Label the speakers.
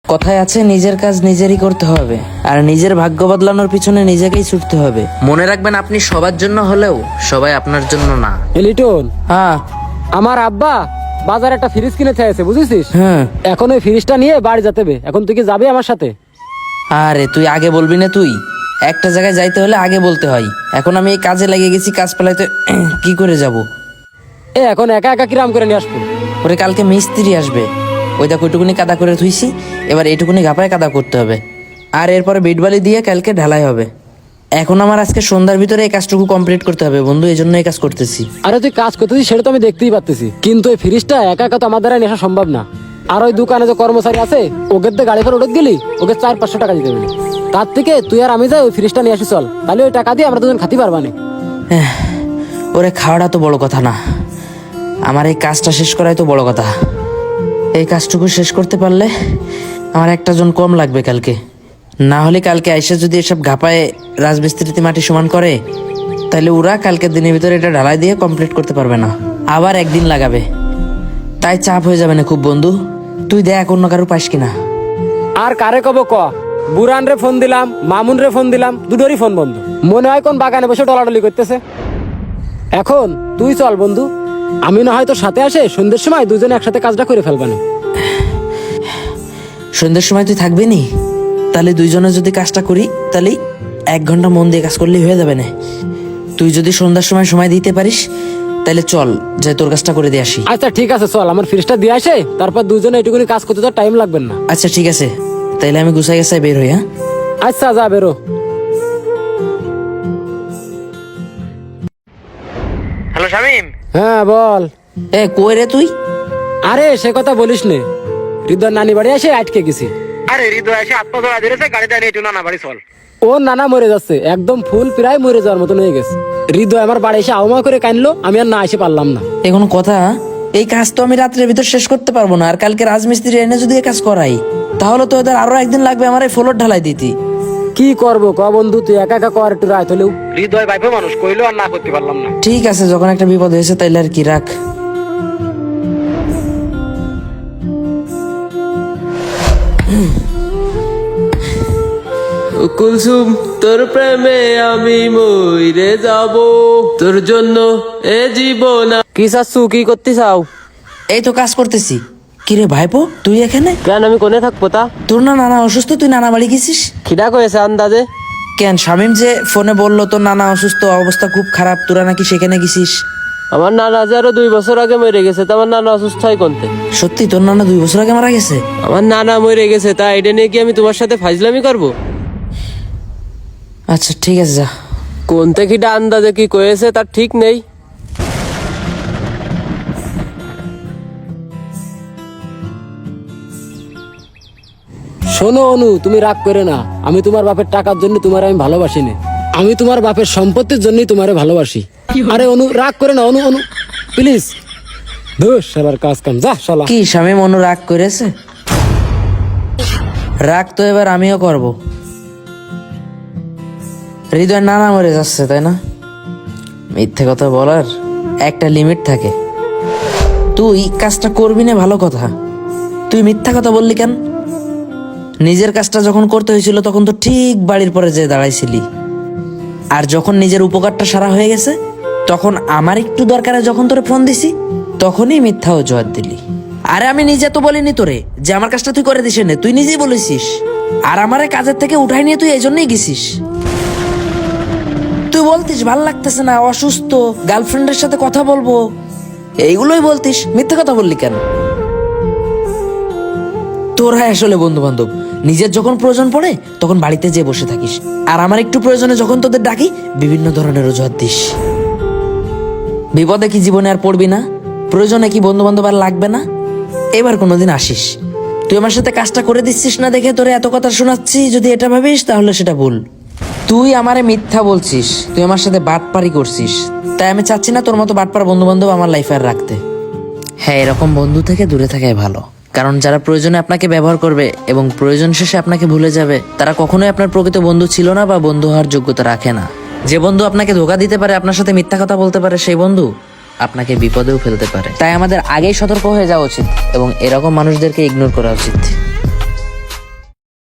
Speaker 1: কথায় আছে নিজের কাজ নিজেরই করতে হবে, আর নিজের ভাগ্য বদলানোর পিছনে নিজেকেই ছুটতে হবে। মনে রাখবেন, আপনি সবার জন্য হলেও সবাই আপনার জন্য না।
Speaker 2: লিটন,
Speaker 1: হ্যাঁ
Speaker 2: আমার আব্বা বাজারে একটা ফ্রিজ কিনে চাইছে, বুঝেছিস?
Speaker 1: হ্যাঁ।
Speaker 2: এখন ওই ফ্রিজটা নিয়ে বাড়ি যেতে হবে। এখন তুই কি যাবি আমার সাথে?
Speaker 1: আরে তুই আগে বলবি না? তুই একটা জায়গায় যাইতে হলে আগে বলতে হয়। এখন আমি এই কাজে লেগে গেছি, কাজ পালাইতে কি করে যাব?
Speaker 2: এখন একা একা কিরাম করে নিয়ে আসবো?
Speaker 1: ওরে কালকে মিস্ত্রি আসবে, ওই দেখ ওইটুকুনি কাদা করে থুইছি, এবার এইটুকুনি ঘাপায় কাদা করতে হবে, আর এরপরে বিটবালি দিয়ে কালকে ঢালাই হবে। এখন আমার আজকে সন্ধ্যার ভিতরে এই কাজটুকু কমপ্লিট করতে হবে বন্ধু, এই জন্য এই কাজ করতেছি।
Speaker 2: আরে তুই কাজ করতেছিস সেটা তো আমি দেখতেই পাচ্ছি, কিন্তু এই ফ্রিজটা একা একা তো আমার দ্বারা নেশা সম্ভব না। আর ওই দোকানে যে কর্মচারী আছে, ওকে তো গাড়ি করে উঠে গেলি, ওকে 400-500 টাকা দিতে হবে। তার থেকে তুই আর আমি যাই ওই ফ্রিজটা নিয়ে আসি, চল। তাহলে ওই টাকা দিয়ে আমরা দুজন খাতি পারবা না।
Speaker 1: ওরে খাওয়াটা তো বড় কথা না, আমার এই কাজটা শেষ করাই তো বড় কথা। এই কাজটুকু শেষ করতে পারলে আমার একটা জন কম লাগবে কালকে। না হলে কালকে আইসা যদি এসব ঘাপায় রাজমিস্ত্রিতে মাটি সমান করে, তাহলে ওরা কালকের দিনের ভিতরে এটা ঢালাই দিয়ে কমপ্লিট করতে পারবে না, আবার একদিন লাগাবে। তাই চাপ হয়ে যাবে না খুব বন্ধু, তুই দেখ অন্য কারো পাস কিনা।
Speaker 2: আর কারে কব ক? বুরান রে ফোন দিলাম, মামুন রে ফোন দিলাম, দুটোরই ফোন বন্ধ। মনে হয় কোন বাগানে বসে ডলাডলি করতেছে। এখন তুই চল বন্ধু, আমি না হয়তো সাথে আসে সন্ধ্যের সময় দুজনে একসাথে কাজটা করে ফেলবানি।
Speaker 1: সন্ধ্যের সময় তুই থাকবি নি? তাহলে দুইজনে যদি কাজটা করি, তাহলে 1 ঘন্টা মন দিয়ে কাজ করলেই হয়ে যাবে না। তুই যদি সন্ধ্যার সময় সময় দিতে পারিস, তাহলে চল যে তোর কাজটা করে দিয়ে আসি।
Speaker 2: আচ্ছা ঠিক আছে, চল আমার ফ্রিজটা দিয়ে আসে, তারপর দুজনে এটুকুনি কাজ করতে তো টাইম লাগবে না।
Speaker 1: আচ্ছা ঠিক আছে, তাইলে আমি গুছাই গেছাই বের হই। হ্যাঁ
Speaker 2: আচ্ছা, যা বেরো।
Speaker 1: হ্যালো শামিম।
Speaker 2: হ্যাঁ বল।
Speaker 1: কই রে তুই?
Speaker 2: আরে সে কথা বলিস নে, হৃদয় নানি বাড়ি এসে আটকে গেছি। আরে হৃদয় এসে আত্মধরা ধরেছে, গাড়িটা নিয়ে একটু নানা বাড়ি চল। ও নানা মরে যাচ্ছে, একদম ফুল প্রায় মরে যাওয়ার মতন হয়ে গেছে। হৃদয় আমার বাড়ি এসে আওমা করে কানলো, আমি আর না এসে পারলাম না।
Speaker 1: এখন কথা, এই কাজ তো আমি রাত্রের ভিতর শেষ করতে পারবো না, আর কালকে রাজমিস্ত্রি এনে যদি এই কাজ করাই, তাহলে তো ওদের আরো একদিন লাগবে আমার এই ফ্লোর ঢালাই দিতে।
Speaker 2: কি করবো ক বন্ধু, তুই একা একা কর একটু রাত হলেও। হৃদয় ভাইপো মানুষ, কইলো আর না করতে পারলাম না।
Speaker 1: ঠিক আছে, যখন একটা বিপদ হয়েছে তাইলে আর কি, রাখ।
Speaker 3: কুলসুম, তোর প্রেমে আমি মইরে যাব, তোর জন্য এ জীবন।
Speaker 2: কি চাচ্ছু, কি করতে চাও?
Speaker 1: এই তো কাজ করতেছি। কিরে ভাইপো, তুই এখানে
Speaker 2: কেন, আমি কোনে থাকবো তা?
Speaker 1: তোর না নানা অসুস্থ, তুই নানা বাড়ি গেছিস?
Speaker 2: খিদা কয়েছে আন্দাজে।
Speaker 1: কেন, শামিম যে ফোনে বললো তোর নানা অসুস্থ, অবস্থা খুব খারাপ, তোরা নাকি সেখানে গেছিস?
Speaker 3: আমার নানা যে আরো 2 বছর আগে মরে গেছে, তা আমার নানা অসুস্থ হয় কোনতে?
Speaker 1: সত্যি তোর নানা 2 বছর আগে মারা গেছে?
Speaker 3: আমার নানা মরে গেছে, তা এটা নিয়ে কি আমি তোমার সাথে ফাজলামি করবো?
Speaker 1: আচ্ছা ঠিক আছে, যা।
Speaker 3: কোনতে খিদা আন্দাজে কি কয়েছে তার ঠিক নেই।
Speaker 2: শোনো অনু, তুমি রাগ করে না, আমি তোমার বাপের টাকার জন্য তোমার আমি ভালোবাসি না, আমি তোমার বাপের সম্পত্তির জন্যই তোমারে ভালোবাসি। আরে অনু, রাগ করে না, অনু অনু প্লিজ। ধুস, শালার কাজ কাম, যা শালা।
Speaker 1: কি শামিম, অনু রাগ করেছে? রাগ তো এবার আমিও করব। হৃদয় নানা মরে যাচ্ছে, তাই না? মিথ্যে কথা বলার একটা লিমিট থাকে। তুই কাজটা করবি না, ভালো কথা, তুই মিথ্যা কথা বললি কেন? নিজের কাজটা যখন করতে হয়েছিল তখন তো ঠিক বাড়ির পরে যে দাঁড়াইছিলি, আর যখন নিজের উপকারটা সারা হয়ে গেছে, তখন আমার একটু দরকারে যখন তোরে ফোন দিছি, তখনই মিথ্যা অজুহাত দিলি। আরে আমি নিজে তো বলিনি তোরে যে আমার কাজটা তুই করে দিস না, তুই নিজেই বলেছিস। আর আমারে কাজের থেকে উঠাই নিয়ে তুই এই জন্যই গেছিস। তুই বলতিস ভাল লাগতেছে না, অসুস্থ, গার্লফ্রেন্ডের সাথে কথা বলবো, এইগুলোই বলতিস। মিথ্যে কথা বললি কেন? তোরা আসলে বন্ধু বান্ধব, নিজের যখন প্রয়োজন পড়ে তখন বাড়িতে যেয়ে বসে থাকিস, আর আমার একটু প্রয়োজনে যখন তোদের ডাকি বিভিন্ন ধরনের অজুহাত দিস। বিপদে কি জীবনে আর পড়বি না? প্রয়োজনে কি বন্ধু বান্ধব আর লাগবে না? এবার কোনোদিন আসিস। তুই আমার সাথে কাজটা করে দিচ্ছিস না দেখে তোরে এত কথা শোনাচ্ছি, যদি এটা ভাবিস তাহলে সেটা ভুল। তুই আমারে মিথ্যা বলছিস, তুই আমার সাথে বাটপারি করছিস, তাই আমি চাচ্ছি না তোর মতো বাটপার বন্ধু বান্ধব আমার লাইফে আর রাখতে। হ্যাঁ, এরকম বন্ধু থেকে দূরে থাকাই ভালো, কারণ যারা প্রয়োজনে আপনাকে ব্যবহার করবে এবং প্রয়োজন শেষে আপনাকে ভুলে যাবে, তারা কখনোই আপনার প্রকৃত বন্ধু ছিল না বা বন্ধু হওয়ার যোগ্যতা রাখে না। যে বন্ধু আপনাকে ধোঁকা দিতে পারে, আপনার সাথে মিথ্যা কথা বলতে পারে, সেই বন্ধু আপনাকে বিপদেও ফেলতে পারে। তাই আমাদের আগেই সতর্ক হয়ে যাওয়া উচিত এবং এরকম মানুষদেরকে ইগনোর করা উচিত।